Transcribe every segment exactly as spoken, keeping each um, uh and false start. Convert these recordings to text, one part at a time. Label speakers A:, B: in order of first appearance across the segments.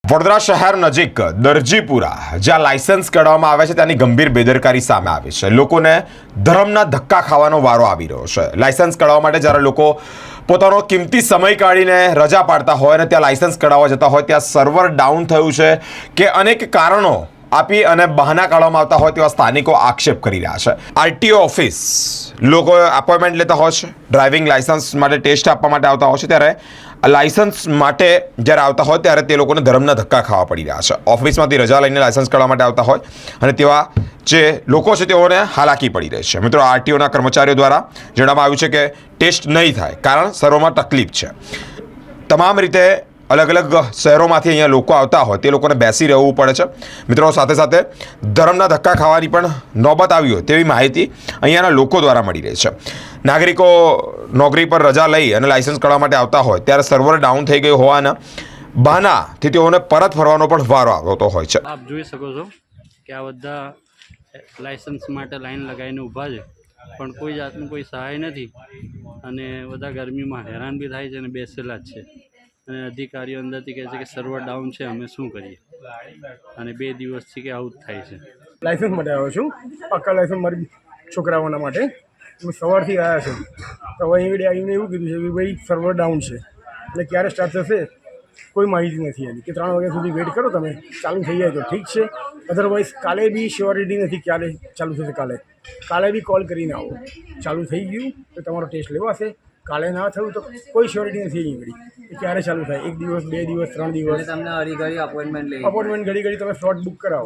A: વડોદરા શહેર નજીક દરજીપુરા જ્યાં લાયસન્સ કાઢવામાં આવે છે ત્યાંની ગંભીર બેદરકારી સામે આવી છે। લોકોને ધર્મના ધક્કા ખાવાનો વારો આવી રહ્યો છે। લાયસન્સ કાઢવા માટે જ્યારે લોકો પોતાનો કિંમતી સમય કાઢીને રજા પાડતા હોય અને ત્યાં લાયસન્સ કઢાવવા જતા હોય ત્યાં સર્વર ડાઉન થયું છે કે અનેક કારણો આપી અને બહાના કાઢવામાં આવતા હોય તેવા સ્થાનિકો આક્ષેપ કરી રહ્યા છે। આરટીઓ ઓફિસ લોકો અપોઇન્ટમેન્ટ લેતા હોય છે, ડ્રાઇવિંગ લાયસન્સ માટે ટેસ્ટ આપવા માટે આવતા હોય છે, ત્યારે લાયસન્સ માટે જ્યારે આવતા હોય ત્યારે તે લોકોને ધર્મના ધક્કા ખાવા પડી રહ્યા છે। ઓફિસમાંથી રજા લઈને લાયસન્સ કાઢવા માટે આવતા હોય અને તેવા જે લોકો છે તેઓને હાલાકી પડી રહી છે। મિત્રો, આરટીઓના કર્મચારીઓ દ્વારા જણાવવામાં આવ્યું છે કે ટેસ્ટ નહીં થાય કારણ સર્વરમાં તકલીફ છે। તમામ રીતે અલગ અલગ શહેરોમાંથી અહીંયા લોકો આવતા હોય તે લોકોને બેસી રહેવું પડે છે। મિત્રો, સાથે સાથે ધર્મના ધક્કા ખાવાની પણ નોબત આવી હોય તેવી માહિતી અહીંયાના લોકો દ્વારા મળી રહી છે। નાગરિકો નોકરી પર રજા લઈ અને લાયસન્સ કાઢવા માટે આવતા હોય ત્યારે સર્વર ડાઉન થઈ ગયું હોવાના બહાનાથી તેઓને પરત ફરવાનો પણ વારો આવતો હોય છે।
B: આપ જોઈ શકો છો કે આ બધા લાયસન્સ માટે લાઈન લગાવીને ઊભા છે, પણ કોઈ જાતનું કોઈ સહાય નથી અને બધા ગરમીમાં હેરાન બી થાય છે અને બેસેલા જ છે અને અધિકારીઓ અંદરથી કહે છે કે સર્વર ડાઉન છે, અમે શું કરીએ, અને બે દિવસથી કે આવું જ થાય છે।
C: લાયસન્સ માટે આવ્યો છું, પાક્કા લાયસન્સ મારી છોકરાઓના માટે। હું સવારથી આવ્યા છું તો હવે અહીં આવીને એવું કીધું છે કે ભાઈ સર્વર ડાઉન છે એટલે ક્યારે સ્ટાર્ટ થશે કોઈ માહિતી નથી એની, કે ત્રણ વાગ્યા સુધી વેઇટ કરો, તમે ચાલુ થઈ જાય તો ઠીક છે, અધરવાઇઝ કાલે બી શ્યોરિટી નથી ક્યારે ચાલુ થશે। કાલે કાલે બી કોલ કરીને આવો, ચાલુ થઈ ગયું તો તમારો ટેસ્ટ લેવાશે, કાલે ના થયું તો કોઈ શ્યોરિટી નથી અહીં ઘડી કે ક્યારે ચાલુ થાય, એક દિવસ, બે દિવસ, ત્રણ દિવસ,
D: તમને ઘડી ઘડી અપોઇન્ટમેન્ટ લઈ
C: અપોઇન્ટમેન્ટ ઘડી ઘડી તમે સ્લોટ બુક કરાવો।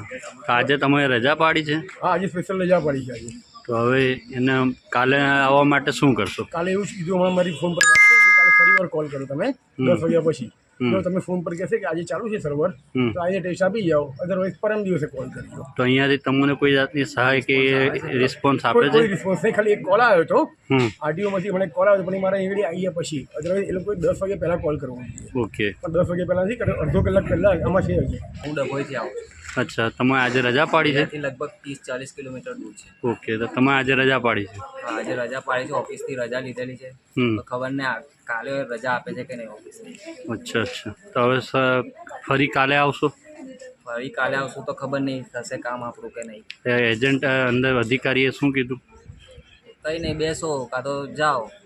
B: આજે તમે રજા પાડી છે,
C: હા, આજે સ્પેશિયલ રજા પડી છે આજે।
B: તો હવે એને કાલે આવવા માટે શું કરશો?
C: કાલે એવું જ કીધું, હમણાં મારી ફોન પર વાત થઈ કે કાલે ફરી વાર કોલ કરો તમે દસ વાગ્યા પછી, જો તમે ફોન પર કહેશે કે આજે ચાલુ છે સર્વર તો આજે ટેસ્ટ આપી જાઓ, અધરવાઇઝ પરમ દિવસે કોલ કરજો।
B: તો અહીંયાથી તમને કોઈ જાતની સહાય કે રિસ્પોન્સ આપે
C: કોઈ
B: છે?
C: કોઈ રિસ્પોન્સ નહીં, ખાલી એક કોલ આવ્યો હતો
B: હમ
C: આરટીઓમાંથી, મને કોલ આવ્યો પણ એ મારા એવડી આવ્યા પછી, અધરવાઇઝ એ લોકોએ દસ વાગ્યા પહેલાં કોલ કરવો જોઈએ,
B: ઓકે,
C: પણ દસ વાગ્યા પહેલાં નથી કર્યો, અડધો કલાક પહેલાં આમાં છે હજી।
D: હું ડભોઈથી આવું છું,
B: અચ્છા, તમે આજે રજા પાડી છે?
D: ત્યાંથી લગભગ ત્રીસ ચાલીસ કિલોમીટર દૂર છે।
B: ઓકે, તો તમે આજે રજા પાડી છે?
D: હા, આજે રજા પાડી છે, ઓફિસથી રજા લીધેલી છે,
B: હમ
D: તો ખબર નહીં આ કાલે રજા આપે છે કે નહીં ઓફિસની।
B: અચ્છા અચ્છા, તો હવે સ- ફરી કાલે આવશો?
D: ફરી કાલે આવશું તો ખબર નહીં થશે કામ આપણું કે નહીં।
B: એ એજન્ટ અંદર અધિકારીએ શું કીધું?
D: કંઈ નહીં, બેસો કાં તો જાઓ,